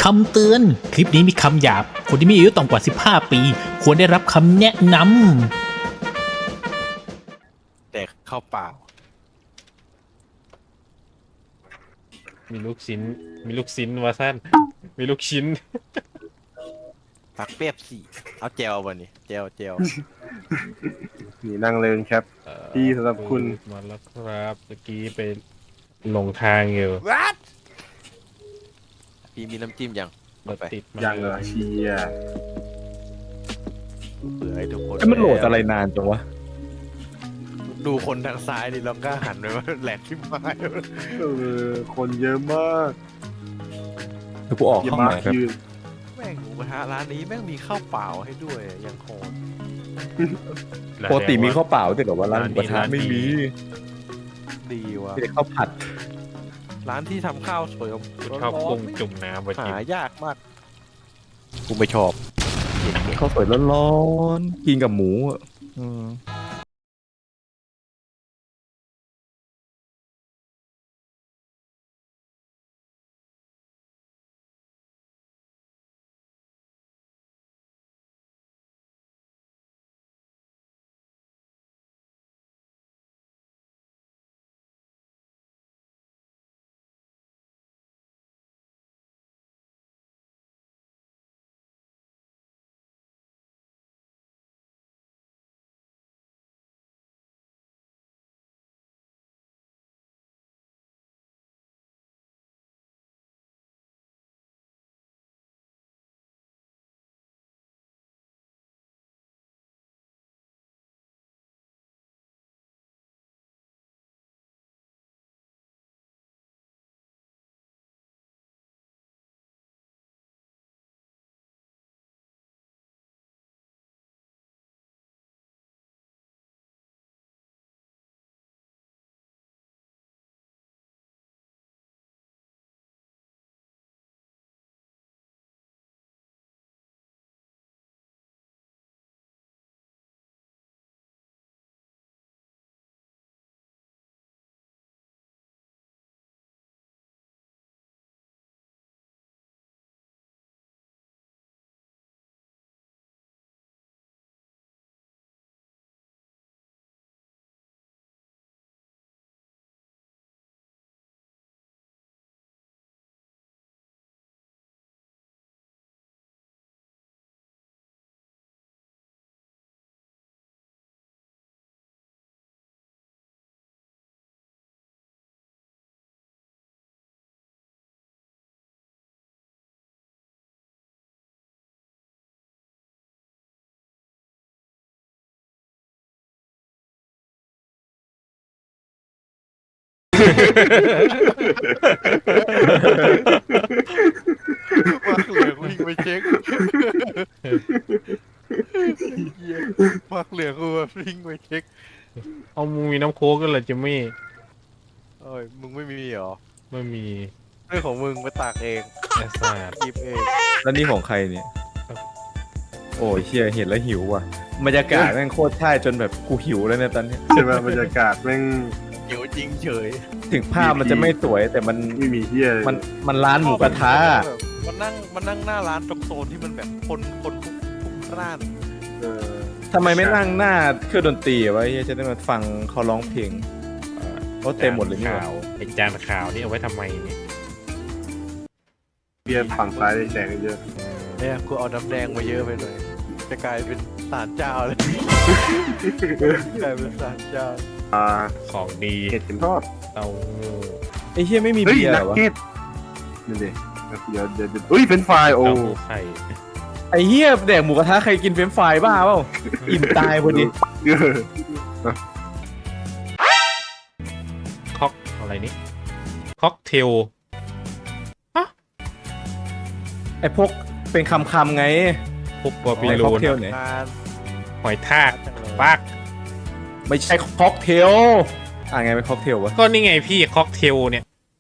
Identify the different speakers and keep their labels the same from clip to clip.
Speaker 1: คำเตือน คลิปนี้มีคำหยาบ คนที่มีอายุต่ำกว่า 15 ปี ควรได้รับคำแนะน
Speaker 2: แต่เข้าเปล่า
Speaker 3: มีลูกชิ้น มีลูกชิ้นวาสั้นมีลูกชิ้น
Speaker 2: ปักเปียบสี่เอาเจลบ่นี่เจล
Speaker 4: นี่นั่งเริงครับ ที่สำหรับคุณ
Speaker 3: มาแล้วครับเมื่อกี้ไปหลงทางอยู่
Speaker 2: What พี่มีน้ำจิ้มยัง
Speaker 3: รถติดมา
Speaker 4: ยังเหรอเชีย
Speaker 2: เผื่อให้ทุกคน
Speaker 5: มันโหลดอะไรนานจังวะ
Speaker 2: ดูคนทางซ้ายดิเราก็หันไปว่าแหลกที่ไม้
Speaker 4: คนเยอะมาก
Speaker 5: เดี๋ยวกูออก
Speaker 4: เย
Speaker 5: ห้
Speaker 4: อะ
Speaker 5: อง
Speaker 4: มา
Speaker 5: ไหน
Speaker 4: ก
Speaker 5: ครับ
Speaker 4: ยืน
Speaker 2: แม่งหมูกระทะร้านนี้แม่งมีข้าวเปล่าให้ด้วยยังโคตร
Speaker 5: ปกติมีข้าวเปล่าแต่แบบว่าร้านหมูกระทะไม่มี
Speaker 2: ดีว่ะ
Speaker 5: มีแต่ข้าวผัด
Speaker 2: ร้านที่ทำข้าวสวย
Speaker 3: ชอบกุ้งจุ่มน้ำไปกิน
Speaker 2: หายากมากกูไม่ชอบ
Speaker 5: ข้าวสวยร้อนๆกินกับหมูอ่ะอืม
Speaker 2: มาเหลืองวิ่งไปเช็คมาเหลืองกูแบบวิ่งไปเช็ค
Speaker 3: เอามึงมีน้ำโค้กกันเหรอจิมมี่
Speaker 2: เอ้ยมึงไม่มีเหรอ
Speaker 3: ไม่มี
Speaker 2: เรื่องของมึงไปตากเอง
Speaker 3: แอสซาด
Speaker 2: หยิบเอง
Speaker 5: แล้วนี่ของใครเนี่ย โอ้ยเชียเห็นแล้วหิวว่ะบรรยากาศแม่งโคตรใช่จนแบบกูหิวแล้วเนี่ยตอนเนี้ย
Speaker 4: ใช่ไหมบรรยากาศแม่ง
Speaker 2: เดี๋ยวจริงเฉย
Speaker 5: ถึงภาพมันจะไม่สวยแต่มัน
Speaker 4: ไม่มีเฮียเลย
Speaker 5: มันร้านหมูกระทะ
Speaker 2: มันนั่งหน้าร้านตรงโซนที่มันแบบคนพลุกพล่าน
Speaker 4: เออ
Speaker 5: ทำไมไม่นั่งหน้าเครื่องดนตรีวะเฮียจะได้มาฟังเขาร้องเพลงเขาเต็มหมดเลยนี่หว่า
Speaker 3: ข่าวไอจานข่าวนี่เอาไว้ทำไมเนี่ย
Speaker 4: เบียร์ฝั่งซ้ายแดงเยอะ
Speaker 2: เนี่ยกูเอาน้ำแดงมาเยอะไปหน่อยจะกลายเป็นศาลเจ้าเลยกลายเป็นศาลเจ้า
Speaker 3: ของดี
Speaker 4: เห็ดเข็มทอด
Speaker 3: เต้าหู้
Speaker 5: ไอ้เฮียไม่มี
Speaker 4: เฮ้ย
Speaker 5: เบียร์เห
Speaker 4: นั
Speaker 5: ร
Speaker 4: ก
Speaker 5: อวะ
Speaker 4: เก็ตนี่ดิเดี๋ยวอุ้ยเป็นไฟล์โอ้
Speaker 3: เต้าหู้ไข่
Speaker 5: ไอ้เฮียแดกหมูกระทะใครกินเฟรนช์ฟรายบ้าเปล่าอิ่มตายพอดี
Speaker 3: ค็อกอะไรนี่ค็อกเทล
Speaker 5: ไอ้พวกเป็นคำๆไง
Speaker 3: พวกบาบิ
Speaker 5: ไอ้
Speaker 3: โล
Speaker 5: ค็อก
Speaker 3: น
Speaker 5: เทลเนี่ย
Speaker 2: นาน
Speaker 3: หอยทาก
Speaker 2: จังเลย
Speaker 3: ปัก
Speaker 5: ไม่ใช่ค็อกเทลไงเป็นค็อกเทลวะ
Speaker 3: ก็นี่ไงพี่ค็อกเทลเนี่ย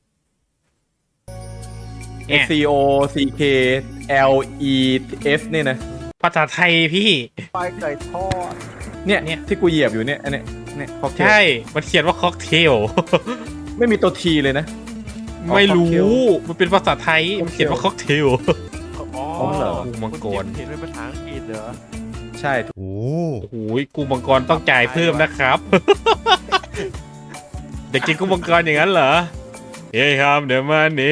Speaker 3: เนี่ย
Speaker 5: C O C K L E S เนี่ยนะ
Speaker 3: ภาษาไทยพี่
Speaker 2: ปลายไก่ทอด
Speaker 5: เนี่ยที่กูเหยียบอยู่เนี่ยอันเนี้ยค็อกเทล
Speaker 3: ใช่ มันเขียนว่าค็อกเทล
Speaker 5: ไม่มีตัวทีเลยนะ
Speaker 3: ไม่รู้มันเป็นภาษาไทยมันเขียนว่าค็อกเทล
Speaker 2: อ๋อ
Speaker 5: เหรอ
Speaker 3: กุ้งมังกร
Speaker 2: เห็นเป็นภาษาอังกฤษเหรอ
Speaker 5: ใช่
Speaker 3: โอ้โหกุ้งมังกรต้องจ่ายเพิ่มนะครับ เด็กกินกุ้งมังกรอย่างนั้นเหรอเฮ้ยครับเดี๋ยวมานี่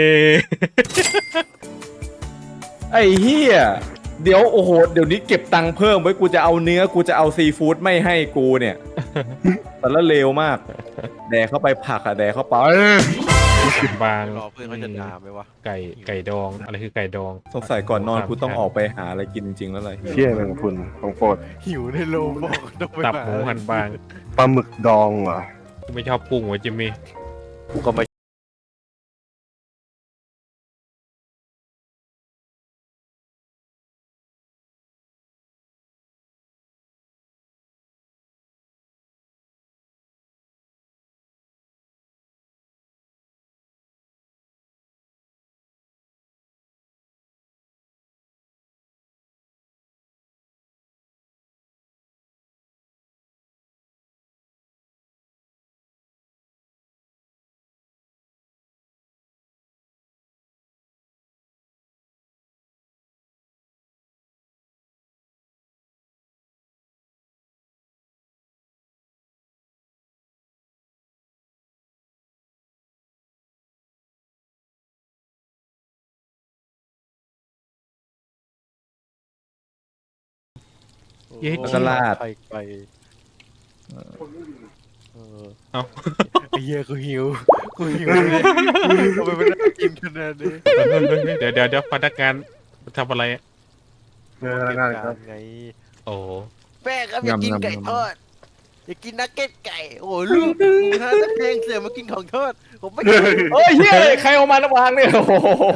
Speaker 5: ไอ้เหี้ยเดี๋ยวโอ้โหเดี๋ยวนี้เก็บตังค์เพิ่มไว้กูจะเอาเนื้อกูจะเอาซีฟู้ดไม่ให้กูเนี่ย แต่ละเลวมาก แดกเข้าไปผักอะแดกเข้าไป
Speaker 3: บาง
Speaker 2: รอเพื่อนเขาจะด่าไหมวะ
Speaker 3: ไก่ดองอะไรคือไก่ดอง
Speaker 5: สงสัยก่อนนอนกูต้องออกไปหาอะไรกินจริงๆแล้วเลย
Speaker 4: เชี่ยแมงพุนของโปรด
Speaker 2: หิวในโลงบอกต้องไป
Speaker 3: ตับหมูหั่นบาง
Speaker 4: ปลาหมึกดองเหรอ
Speaker 3: กูไม่ชอบกุ้งวะจิมมี่
Speaker 2: กูก็ไม่
Speaker 5: แล้วก็ราด
Speaker 2: ไป
Speaker 3: เอ้า
Speaker 2: ไอ้เหี้ยกูหิวเลยทำไมไม่ได้กินขนาดนี้
Speaker 3: เดี๋ยวพนักงานทำอะไรอะ
Speaker 4: เนื้อง่ายครับ
Speaker 2: ไง
Speaker 3: โอ้
Speaker 2: แม่ครับอยากกิน
Speaker 5: งำๆ
Speaker 2: ไก่ทอดอยากกินนักเก็ตไก่ โอ้ยลูกฮะนักเลงเสือมากินของทอดผมไม่กิน
Speaker 5: เฮ้ยเฮ้ยใครเอามาระวางเนี่ยโอ้โห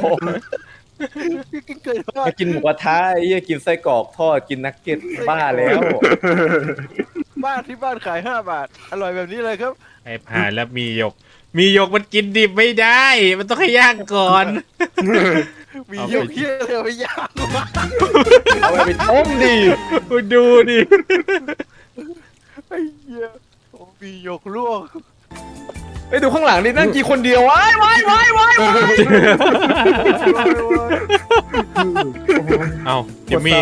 Speaker 2: กินไก่ทอด
Speaker 5: มากินหมูกระทะไอ้เหี้ยกินไส้กรอกทอดกินนักเก็ตบ้าแล้ว
Speaker 2: บ้านที่บ้านขาย5 บาท อร่อยแบบนี้เลยครับ
Speaker 3: ไอ้ผ่านแล้วมีหยกมันกินดิบไม่ได้ มันต้องให้ย่างก่อน
Speaker 2: มีเยอะเที่ยเลยไปย่างมา
Speaker 5: เอาไปต้มดิ
Speaker 3: ดูดิ
Speaker 2: ไอ้เหี้ยโอ้มีหยกลวก
Speaker 5: ไปดูข้างหลังดินั่งกี่คนเดียวว้าย
Speaker 3: เอาจิมมี่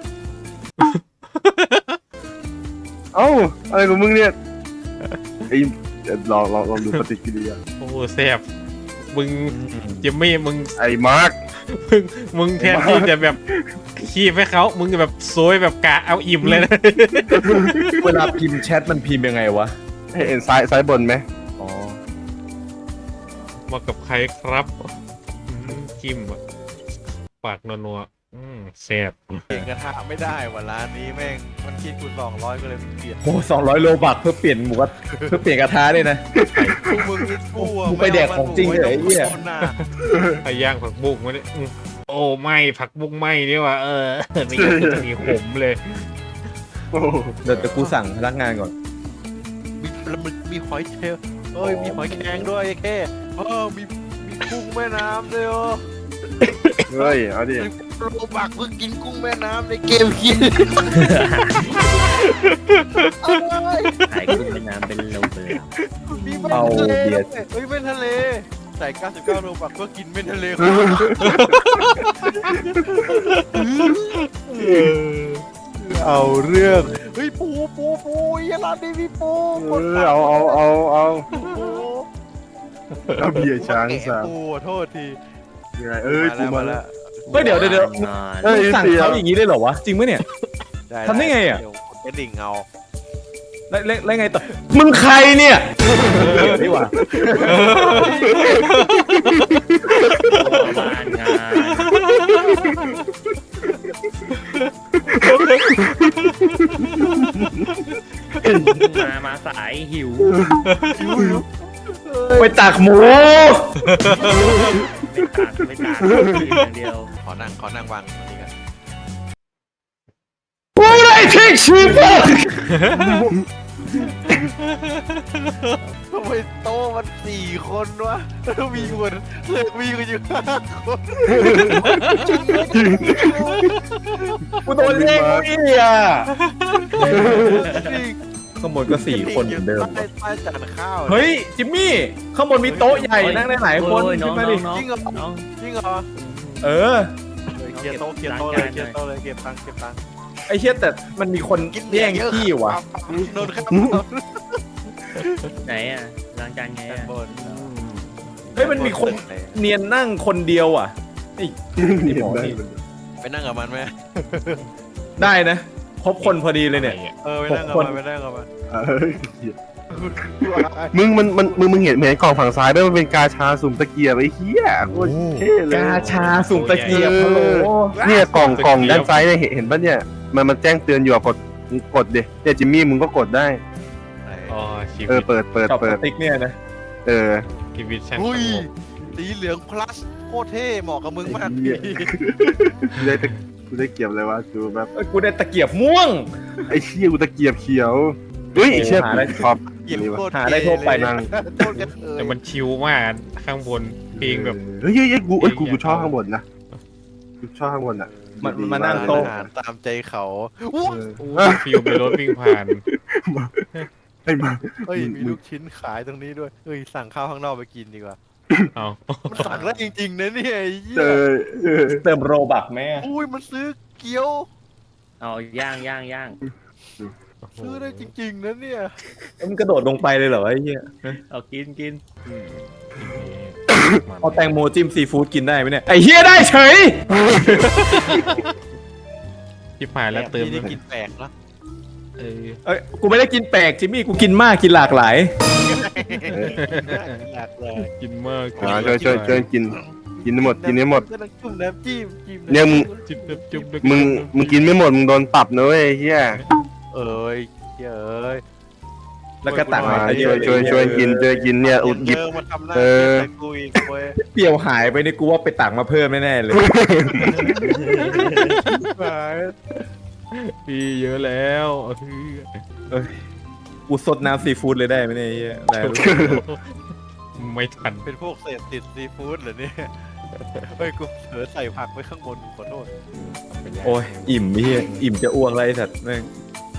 Speaker 4: เอ้าอะไรของมึงเนี่ยไอ้เดี๋ยวลองดูปฏิกิริยา
Speaker 3: โอ้แซ่บมึงจิมมี่มึง
Speaker 4: ไอ้มาร์ค
Speaker 3: มึงแทนที่จะแบบขี้ให้เขามึงแบบโซยแบบกะเอาอิ่มเลยนะ
Speaker 5: เวลาพิมพ์แชทมันพิมพ์ยังไงวะ
Speaker 4: ให้เอ็นซ้ายบนไหม
Speaker 5: อ๋อ
Speaker 3: มากับใครครับจิ้มอะปากนัวๆแซ่บ
Speaker 2: เปลี่ยนกระทะไม่ได้ว่ะร้านนี้แม่งมันคิดกู200ก็เลยเปลี่ยน
Speaker 5: โอ้200 โลบักเพื่อเปลี่ยนหมูกระเพื่อเปลี่ยนกระทะด้วยนะ
Speaker 2: พวกมึงนี่กูอะ
Speaker 5: กูไปแดกของจริงเหรอไอ้เหี้ย
Speaker 3: ไอ้ย่างผักบุ้งมาเนี่ยโอ้ไม่ผักบุ้งไม่นี่ว่ะไม่งั้นจะมีขมเลย
Speaker 4: โอ้โห
Speaker 5: เดี๋ยวกูสั่งพนักงานก่อน
Speaker 2: มีหอยเชลล์เอ้ยมีหอยแครงด้วยไอ้แค่มีกุ้งแม่น้ำด้วยอ๋อ
Speaker 4: เฮ้ยเอาดิ
Speaker 2: โลบักเพิ่งกินกุ้งแม่น้ำในเกมคิด
Speaker 6: ขายกุ้งแม่น้ำเป็นโลเลย
Speaker 2: มีเป็น
Speaker 5: เอา
Speaker 2: ทะเล
Speaker 5: เบียร์
Speaker 2: เฮ้ยเป็นทะเลใส่99 โลบักเพื่อกินเป็นทะเลเอาเรื่องเฮ้ยปูอย่าร้านนี้มีปู
Speaker 4: เอา
Speaker 2: ปู
Speaker 4: เอาเบียร์ช้าง
Speaker 2: แกะ
Speaker 4: สาม
Speaker 2: ปูโทษที
Speaker 4: ยังไงกูมาแล้ว
Speaker 5: เฮ้ยเดี๋ยว
Speaker 6: งาน
Speaker 5: มึงสั่งเขาอย่างนี้ได้เหรอวะ จริงไหมเนี่ย ทำได้ไงอะ
Speaker 2: เดี๋ยวกดดิ่งเอา
Speaker 5: แล้วไงต่อ มึงใครเนี่ยเดี๋ยวดีกว่า
Speaker 6: บ้านงานมาสายหิว
Speaker 5: ไปตักหมู
Speaker 6: ไม่ตากอย่างเดียว
Speaker 2: ขอนั่งวางตรงนี้กัน
Speaker 5: กูได้ทิกชีพ
Speaker 2: ทำไมโต๊ะมัน4 คนวะแล้วมีคนเลิกมีกันอยู่5 คน
Speaker 5: กูโดนเรียกเก้าอี้อ่ะ
Speaker 2: จริง
Speaker 5: ข้างบนก็4 คนเหมือนเดิม
Speaker 2: ใต้จานข้าว
Speaker 5: เฮ้ยจิมมี่ข้างบนมีโต๊ะใหญ่นั่งได้หลายคน
Speaker 6: โอ้ยน้
Speaker 5: ขึ้
Speaker 6: อง
Speaker 5: นมา
Speaker 6: น้
Speaker 5: ดิ
Speaker 6: องน้อง
Speaker 2: จริงเหรอ
Speaker 6: น้อง
Speaker 2: จริงเหรอ
Speaker 5: เออ
Speaker 2: เคลียร์โต๊ะเคลียร์โต๊ะเลยเคลียร์โต๊ะเลยเก็บตังค์เก็บตังค์
Speaker 5: ไอ้เชี่ยแต่มันมีคนแย่งที่ว่ะ
Speaker 2: โดนข้าว
Speaker 6: ไหนอ่ะล้างจานไง
Speaker 2: ด้าน
Speaker 6: อ่ะ
Speaker 2: บน
Speaker 5: เฮ้ยมันมีคนเนียนนั่งคนเดียวอ่ะไอ้หมอนี่
Speaker 2: ไปนั่งกับมันไหม
Speaker 5: ได้นะครบคนพอดีเลยเนี่ย
Speaker 2: ไปนั่งกับมันไปนั่งกับมัน
Speaker 4: มึงเห็นกล่องฝั่งซ้ายไหมมันเป็นกาชาสุ่มตะเกียบไอ้เหี้ยโคตรเท่เลย
Speaker 5: กาชาสุ่มตะเกียบฮัลโหล
Speaker 4: เนี่ยกล่องด้านซ้ายเนี่ยเห็นป่ะเนี่ยมันแจ้งเตือนอยู่อะกดดิเนี่ยจิมมี่มึงก็กดได้
Speaker 3: อ๋อชีวิ
Speaker 4: เออ
Speaker 3: ต
Speaker 4: เปิด
Speaker 5: ชอบสติ๊กเนี่ยนะ
Speaker 4: เออ
Speaker 3: ชีวิตช่าง
Speaker 2: อุ้ย
Speaker 3: สงบ
Speaker 2: สีเหลืองพลัสโคตรเท่เหมาะกับมึงมาก
Speaker 4: เหี้ย กูได้เกียบเลยวะดูแบบ
Speaker 5: เอ้ยกูได้ตะเกียบม่วง
Speaker 4: ไอ้เชี่ยกูตะเกียบเขียวเฮ้ยไอ้เชี่ย
Speaker 5: หาได้
Speaker 4: ชอบ
Speaker 2: เหยียบ
Speaker 4: นี่วะ
Speaker 2: โคตร
Speaker 5: หาได้ทั่วไป
Speaker 4: นั่ง
Speaker 2: โคตรกระเทย
Speaker 3: แต่มันชิลมากข้างบนเพลงแบบ
Speaker 4: เฮ้ยกูชอบข้างบนนะกูชอบข้างบนอ่ะ
Speaker 5: มานั่งโต๊ะ
Speaker 2: อาหารตามใจเขา
Speaker 3: ฟิลไปรถวิ่งผ่าน
Speaker 4: ไอ้มา
Speaker 2: เฮ้ย
Speaker 4: มึง
Speaker 2: มีลูกชิ้นขายตรงนี้ด้วยเฮ้ยสั่งข้าวข้างนอกไปกินดีกว่า
Speaker 3: เอา
Speaker 2: มันสั่งได้จริงๆนะเนี่ยไอ้เหี้ย
Speaker 5: เติมโรบักแม่
Speaker 2: อุ้ยมันซื้อเกี๊ยว
Speaker 6: เอาย่างย่างย่าง
Speaker 2: ซื้อได้จริงๆนะเนี่ย
Speaker 5: มันกระโดดลงไปเลยเหรอไอ้เหี้ย
Speaker 6: เอากินกิน
Speaker 5: เอาแตงโมจิ้มซีฟู้ดกินได้ไหมเนี่ยไอ้เหี้ยได้เฉย
Speaker 3: ที่ผ่านแล้วเติม
Speaker 2: นี่ได้กินแปลกนะ
Speaker 3: เออ
Speaker 5: เอ้ยกูไม่ได้กินแปลกจิมมี่กูกินมากกินหลากหลาย
Speaker 2: หลากเลย
Speaker 3: กินมาก
Speaker 4: ช่วยกินให้หมดกินให้หมด
Speaker 2: ก็ต้องจุ่มน้ำจิ้มจิ้ม
Speaker 4: เนี่ยมึง
Speaker 3: จิ้มแบบจุ๊บด้วย
Speaker 4: มึงกินไม่หมดมึงโดนปรับนะเว้ยไอ้เฮีย
Speaker 2: เอ้ยเอ้ย
Speaker 5: แล้วก็ตัก
Speaker 4: มา
Speaker 5: มาเยอะ
Speaker 4: ช่วยกินเนี่ยอุดหยิบ
Speaker 2: เดินมาทำหน้า
Speaker 4: เออ
Speaker 2: ใส่กูอีกเว้ย
Speaker 5: เปรี้ยวหายไปนี่กูว่าไปตักมาเพิ่มแน่ๆเลย
Speaker 3: พี่เยอะแล้วเออ
Speaker 5: กูสดน้ำซีฟู้ดเลยได้ไหมเนี่ยไอ้เหี้ยได้
Speaker 3: ไม่ทัน
Speaker 2: เป็นพวกเศษติดซีฟู้ดเหรอเนี่ยเฮ้ยกูเผลอใส่ผักไว้ข้างบนขอโทษ
Speaker 5: โอ้ยอิ่มไอ้เหี้ยอิ่มจะอ้วกอะไรสัตว์แม่ง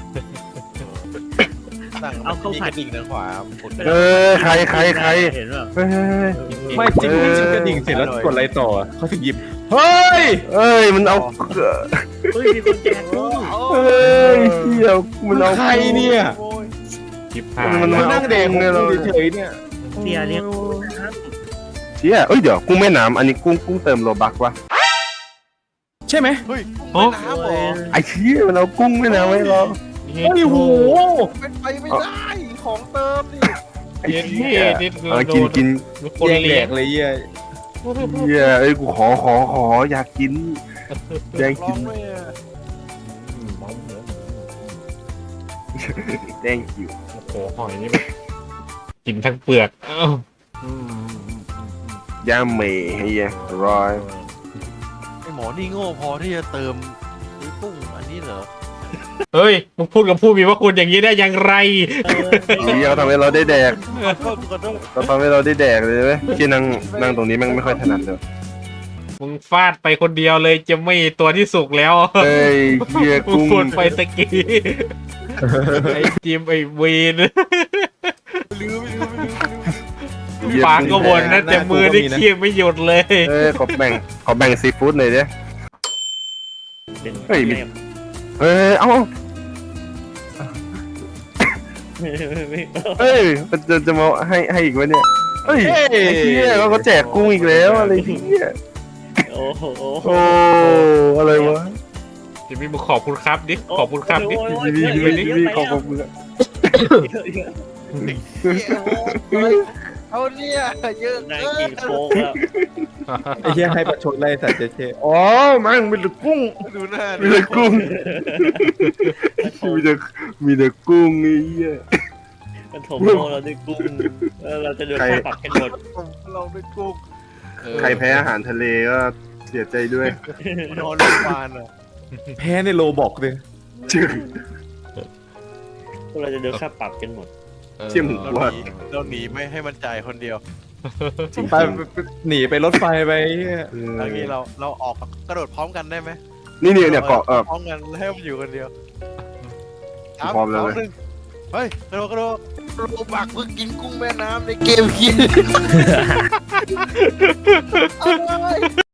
Speaker 2: สั่งนี่กระดิ่งทางขวาหมดไป
Speaker 4: เออใคร
Speaker 6: เห็นป่ะ
Speaker 4: เฮ้ย
Speaker 5: ไม่จิ้มจิ้มกระดิ่งเสร็จแล้วกดอะไรต่อเขาถึงหยิบเฮ้ย
Speaker 4: เอ้ยมันเอา
Speaker 6: เฮ้ยมีคนแจกกุ้ง
Speaker 4: เอ้ยเฮียมันเอา
Speaker 5: ใครเนี่ย
Speaker 2: โอ้ย
Speaker 3: ที่ผ่าน
Speaker 4: มัน
Speaker 5: มานั่งแดงกูเฉยๆเนี่ย
Speaker 6: เสียเลี้ยงกุ้งนะครับ
Speaker 4: เชี่ยเอ้ยเดี๋ยวกุ้งแม่น้ำอันนี้กุ้งเติมโลบักวะ
Speaker 5: ใช่ไหม
Speaker 2: เฮ้ยกุ้งแม่น้ำเหรอ
Speaker 4: ไอ้เชี่ยมันเอากุ้งแม่น้ำไว้รอ
Speaker 5: เฮ้ยโห
Speaker 2: เป็นไปไม่ได้ของเติมนี่
Speaker 4: ไอ้
Speaker 3: เย็น
Speaker 4: เชี่
Speaker 3: ที่
Speaker 4: ย
Speaker 3: นี่คือ
Speaker 4: เอา
Speaker 3: โด
Speaker 4: กิน
Speaker 3: นคน
Speaker 5: แย่งแด
Speaker 3: เลี้ยง
Speaker 5: กเลยเหี้ย
Speaker 4: เฮียเอ้ยกูขออยากกินแย่ง
Speaker 2: ร้
Speaker 4: กิ
Speaker 2: อน งด้วยอะ
Speaker 4: แย่งกิว
Speaker 3: โอ้โหหอยนี่แบบกินทั้งเปลือกเอ้า
Speaker 4: ย่าเมย์เฮียร้อย
Speaker 2: ไอหมอนี่โง่พอที่จะเติมกุ้งอันนี้เหรอ
Speaker 3: เฮ้ยมึงพูดกับผู้มีพระคุณอย่างนี้ได้อย่างไร
Speaker 4: เฮียเขาทำให้เราได้แดก
Speaker 2: ขอโทษ
Speaker 4: เขาทำให้เราได้แดกเลยไหมที่นั่งตรงนี้แม่งไม่ค่อยถนัดเลย
Speaker 3: มึงฟาดไปคนเดียวเลยจะไม่ตัวที่สุกแล้ว
Speaker 4: เฮ้ยเฮีย
Speaker 3: มึง
Speaker 4: กุ้ง
Speaker 3: พูดไปตะกี้ไอ้จิมไอ้เวน
Speaker 2: ลืม
Speaker 4: เหี้ย
Speaker 3: ปากก็บนนะแต่มือได้เคียงไม่หยุดเลย
Speaker 4: เอ้ยขอแบ่งซีฟู้ดหน่อยดิ
Speaker 6: เป็น
Speaker 4: เฮ้ยมี เอ้ยเอ้าเฮ้ยมันจะมาให้อีกวะเนี่ยเฮ้ยไอ้เหี้ยเขาก็แจกกุ้งอีกแล้วอะไรเหี้ย
Speaker 6: โอ้โห
Speaker 4: โอ้อะไรวะ
Speaker 3: จิมมี่มึงขอบคุณครับดิขอบคุณครับดิ
Speaker 4: พี่ขอบคุณครับ
Speaker 2: เอาเนี่ยเยอะ
Speaker 6: นาย
Speaker 2: เกิ
Speaker 6: กิ
Speaker 2: น
Speaker 6: นโค้กแล้ว
Speaker 5: ไอ้เหี้ยให้ประชดไล่สัตว์เจ๊
Speaker 4: อ๋อมันเป็นแต่กุ้ง
Speaker 2: ดูหน้า
Speaker 4: มีแต่กุ้งมีแต่กุ้งไอ้เหี้ย
Speaker 6: มันถมโลเราด้วยกุ้งเราจะโดนค่าปรับกันหมด
Speaker 2: เราด้วยกุ้ง
Speaker 4: ใครแพ้อาหารทะเลก็เสียใจด้วย
Speaker 2: นอนโรงพยาบาลอ่ะ
Speaker 5: แพ้ในโลบอกเลย
Speaker 4: ชื่อ
Speaker 6: เราจะโดนค่าปรับกันหมด
Speaker 4: เชี่ยหมูว่า
Speaker 2: เราหนีไม่ให้มันจ่ายคนเดียว
Speaker 5: ไปหนีไปรถไฟไปไอ้เหี้ย
Speaker 2: บางทีเราออกกระโดดพร้อมกันได้ไหม
Speaker 4: นี่เนี่ยเกาะ
Speaker 2: พร้อมกันแล้วให้มันอยู่คนเดียว
Speaker 4: พร้อมแล้ว
Speaker 2: 3
Speaker 4: เว้ย
Speaker 2: 2 1 เฮ้ยกระโดดโรบักเพิ่งกินกุ้งแม่น้ำในเกมกิน